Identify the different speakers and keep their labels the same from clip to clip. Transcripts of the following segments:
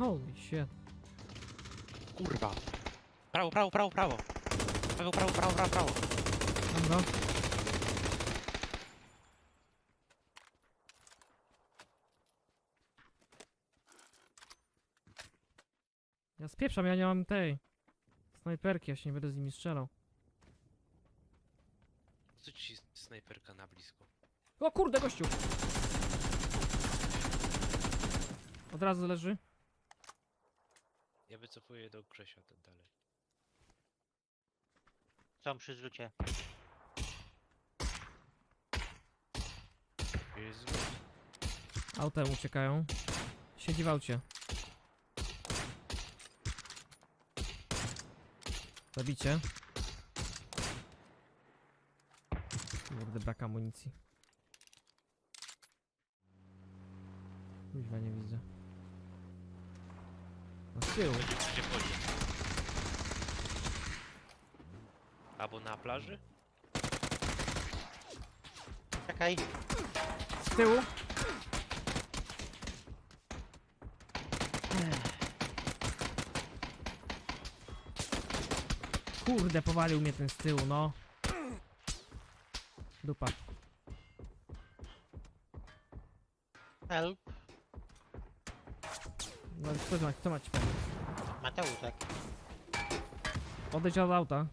Speaker 1: Holy shit.
Speaker 2: Kurwa. Prawo. Prawo.
Speaker 1: Mam go. Ja spieprzam, ja nie mam tej snajperki, ja się nie będę z nimi strzelał.
Speaker 2: Co ci snajperka na blisko?
Speaker 1: O kurde, gościu! Od razu leży.
Speaker 2: Ja wycofuję do Grzesia dalej.
Speaker 3: Są przy zrzucie.
Speaker 2: Jezu.
Speaker 1: Autem uciekają. Siedzi w aucie. Zabicie. Kurde, brak amunicji. Kuźwa, nie widzę. No z tyłu.
Speaker 2: Gdzie chodzi? Albo na plaży?
Speaker 3: Czekaj.
Speaker 1: Z tyłu. Kurde, powalił mnie ten z tyłu, no. Dupa.
Speaker 3: Help.
Speaker 1: No kto ma ci pomóc?
Speaker 3: Mateuszek.
Speaker 1: Odejdź od auta.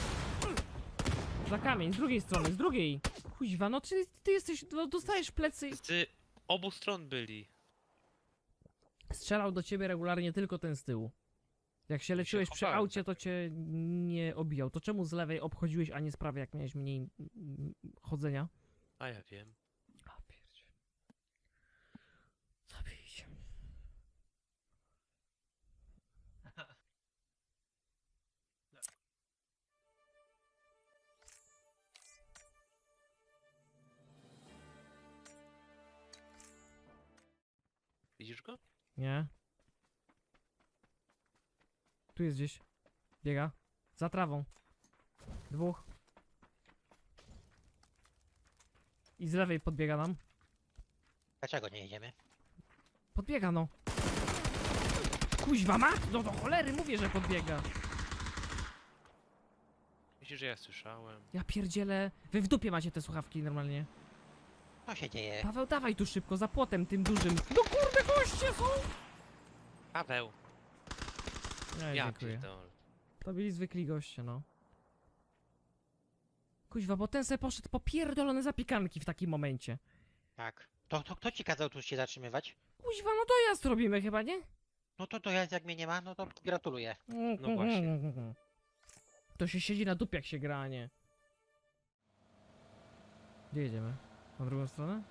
Speaker 1: Za kamień, z drugiej strony, z drugiej. Kuźwa, no ty jesteś, no dostajesz plecy.
Speaker 2: Z obu stron byli.
Speaker 1: Strzelał do ciebie regularnie tylko ten z tyłu. Jak się leczyłeś przy
Speaker 2: chowałem,
Speaker 1: aucie, to cię nie obijał. To czemu z lewej obchodziłeś, a nie z prawej, jak miałeś mniej chodzenia?
Speaker 2: A ja wiem.
Speaker 1: A pierdzie. Zabijcie.
Speaker 2: Widzisz go?
Speaker 1: Nie. Tu jest gdzieś. Biega. Za trawą. Dwóch. I z lewej podbiega nam.
Speaker 3: Dlaczego nie jedziemy?
Speaker 1: Podbiega, no. Kuźwa ma? No do cholery, mówię, że podbiega.
Speaker 2: Myślisz, że ja słyszałem?
Speaker 1: Ja pierdzielę. Wy w dupie macie te słuchawki normalnie.
Speaker 3: Co się dzieje?
Speaker 1: Paweł, dawaj tu szybko, za płotem tym dużym. No kurde, goście są!
Speaker 2: Paweł!
Speaker 1: Nie,
Speaker 2: Ja
Speaker 1: dziękuję.
Speaker 2: pierdolę.
Speaker 1: To byli zwykli goście, no. Kuźwa, bo ten se poszedł po pierdolone zapiekanki w takim momencie.
Speaker 3: Tak. To kto ci kazał tu się zatrzymywać?
Speaker 1: Kuźwa, no to jazd robimy chyba, nie?
Speaker 3: No to ja jak mnie nie ma, no to gratuluję.
Speaker 2: No właśnie.
Speaker 1: To się siedzi na dupie, jak się gra, a nie. Gdzie jedziemy? Na drugą stronę?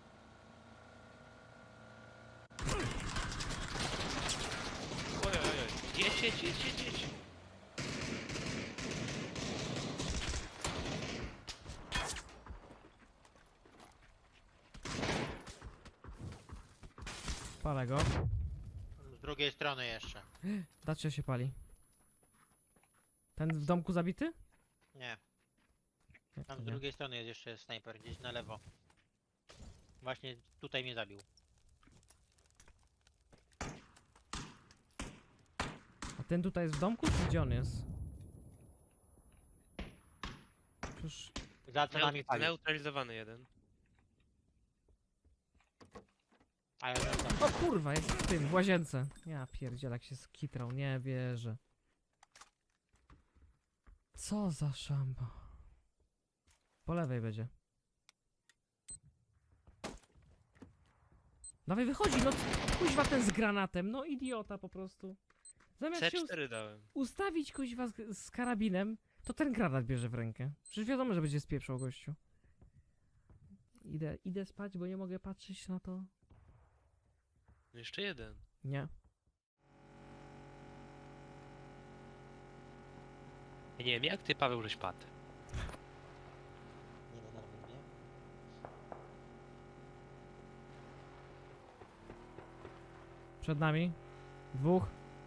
Speaker 2: Ojej. Jedź.
Speaker 1: Palę go.
Speaker 3: Z drugiej strony jeszcze.
Speaker 1: Dacia się pali. Ten w domku zabity?
Speaker 3: Nie.
Speaker 1: Jak
Speaker 3: Tam
Speaker 1: to
Speaker 3: z
Speaker 1: nie?
Speaker 3: drugiej strony jest jeszcze snajper, gdzieś na lewo. Właśnie tutaj mnie zabił.
Speaker 1: A ten tutaj jest w domku, czy gdzie on jest? Przecież...
Speaker 3: Za co nami pali.
Speaker 2: Neutralizowany jeden.
Speaker 3: A ja wracam.
Speaker 1: O kurwa, jest w tym, w łazience. Ja pierdzielak się skitrał, nie wierzę. Co za szamba. Po lewej będzie. Dawaj, wychodzi, no kuźwa ten z granatem, no idiota po prostu. Zamiast się
Speaker 2: C4 dałem.
Speaker 1: ustawić kuźwa z karabinem, to ten granat bierze w rękę. Przecież wiadomo, że będzie spieprzał gościu. Idę spać, bo nie mogę patrzeć na to.
Speaker 2: No jeszcze jeden.
Speaker 1: Nie.
Speaker 2: Ja nie wiem, jak ty, Paweł, żeś padł.
Speaker 3: Nie denerwuj mnie.
Speaker 1: Przed nami. Dwóch.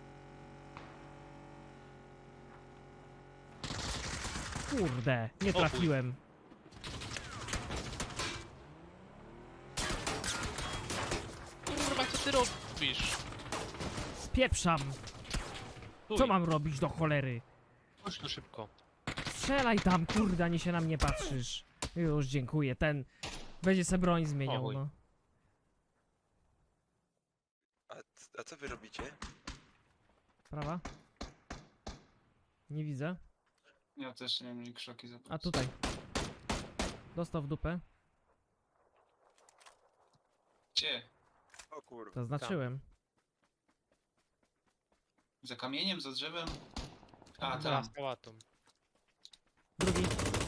Speaker 1: Kurde, nie
Speaker 2: chuj.
Speaker 1: trafiłem.
Speaker 2: Kurwa, co ty robisz?
Speaker 1: Spieprzam! Co mam robić do cholery?
Speaker 2: Chodź tu szybko.
Speaker 1: Strzelaj tam, kurde, ani się na mnie patrzysz. Już, dziękuję, ten będzie se broń zmieniał,
Speaker 2: Oj.
Speaker 1: no.
Speaker 4: A co wy robicie?
Speaker 1: Prawa? Nie widzę.
Speaker 5: Ja też nie wiem, krzoki za
Speaker 1: A tutaj. Dostał w dupę.
Speaker 5: Gdzie?
Speaker 4: O kurwa.
Speaker 1: Zaznaczyłem.
Speaker 5: Za kamieniem, za drzewem? A,
Speaker 2: Teraz
Speaker 5: tam.
Speaker 2: pałatą.
Speaker 1: Drugi.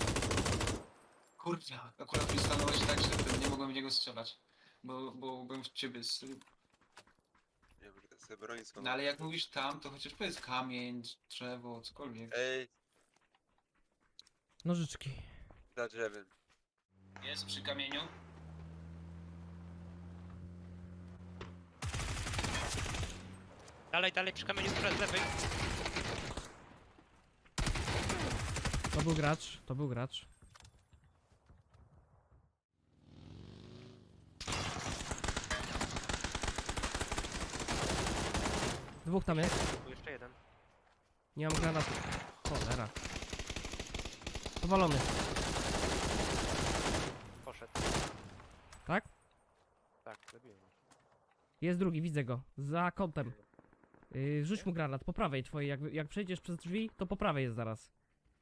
Speaker 5: Kurwa, akurat mi stanąłeś tak, że nie mogłem w niego strzelać. Bo byłem w ciebie
Speaker 4: Nie wiem, że to sobie broń skąd.
Speaker 5: No ale jak mówisz tam, to chociaż powiedz kamień, drzewo, cokolwiek.
Speaker 4: Ej,
Speaker 1: Nożyczki.
Speaker 4: za drzewem.
Speaker 5: Jest przy kamieniu?
Speaker 2: Dalej, dalej, przy kamieniu z lewej.
Speaker 1: To był gracz, to był gracz. Dwóch tam jest.
Speaker 2: Tu jeszcze jeden.
Speaker 1: Nie mam granatu. Cholera. Powalony.
Speaker 2: Poszedł.
Speaker 1: Tak?
Speaker 2: Tak, zabiłem.
Speaker 1: Jest drugi, widzę go. Za kątem. Rzuć mu granat, po prawej twojej. Jak przejdziesz przez drzwi, to po prawej jest zaraz.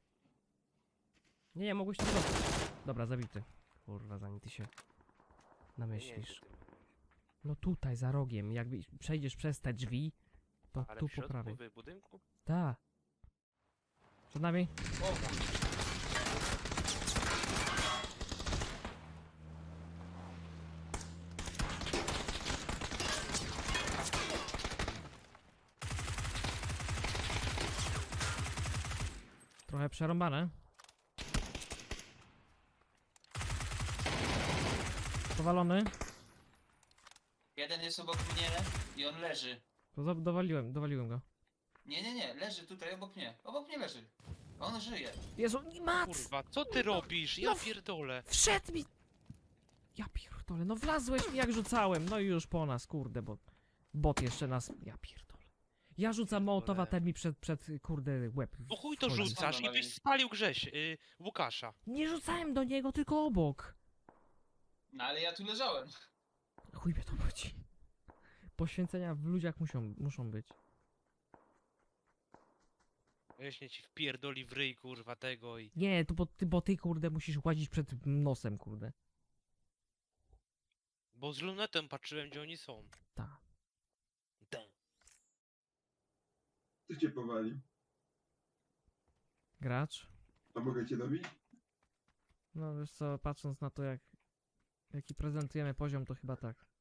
Speaker 1: Nie, mogłeś tam zostać. Dobra, zabity. Kurwa, zanim ty się namyślisz. No tutaj, za rogiem. Jak przejdziesz przez te drzwi, to
Speaker 2: Ale
Speaker 1: tu
Speaker 2: w
Speaker 1: po
Speaker 2: środku,
Speaker 1: prawej.
Speaker 2: w budynku?
Speaker 1: Tak. Przed nami?
Speaker 5: O kurwa.
Speaker 1: Trochę przerąbane. Powalony.
Speaker 5: Jeden jest obok mnie i on leży.
Speaker 1: To dowaliłem go.
Speaker 5: Nie, leży tutaj obok mnie. Obok mnie leży. On żyje.
Speaker 1: Jezu, mat!
Speaker 2: Kurwa, co ty robisz? Ja
Speaker 1: no.
Speaker 2: pierdolę.
Speaker 1: Wszedł mi! Ja pierdolę, no wlazłeś mi jak rzucałem. No i już po nas, kurde, bo bot jeszcze nas... Ja pierdolę. Ja rzucam mołotowa, ten mi przed kurde łeb.
Speaker 2: No chuj to
Speaker 1: wchodzi.
Speaker 2: rzucasz i byś spalił Łukasza.
Speaker 1: Nie rzucałem do niego, tylko obok.
Speaker 5: No ale ja tu leżałem.
Speaker 1: Chuj mnie to chodzi. Poświęcenia w ludziach muszą być.
Speaker 2: Weźmie ci wpierdoli w ryj, kurwa, tego i...
Speaker 1: Nie, to bo ty kurde musisz łazić przed nosem, kurde.
Speaker 2: Bo z lunetem patrzyłem, gdzie oni są.
Speaker 1: Ta.
Speaker 6: Co cię powali?
Speaker 1: Gracz?
Speaker 6: A mogę cię dobić?
Speaker 1: No wiesz co, patrząc na to jaki prezentujemy poziom, to chyba tak.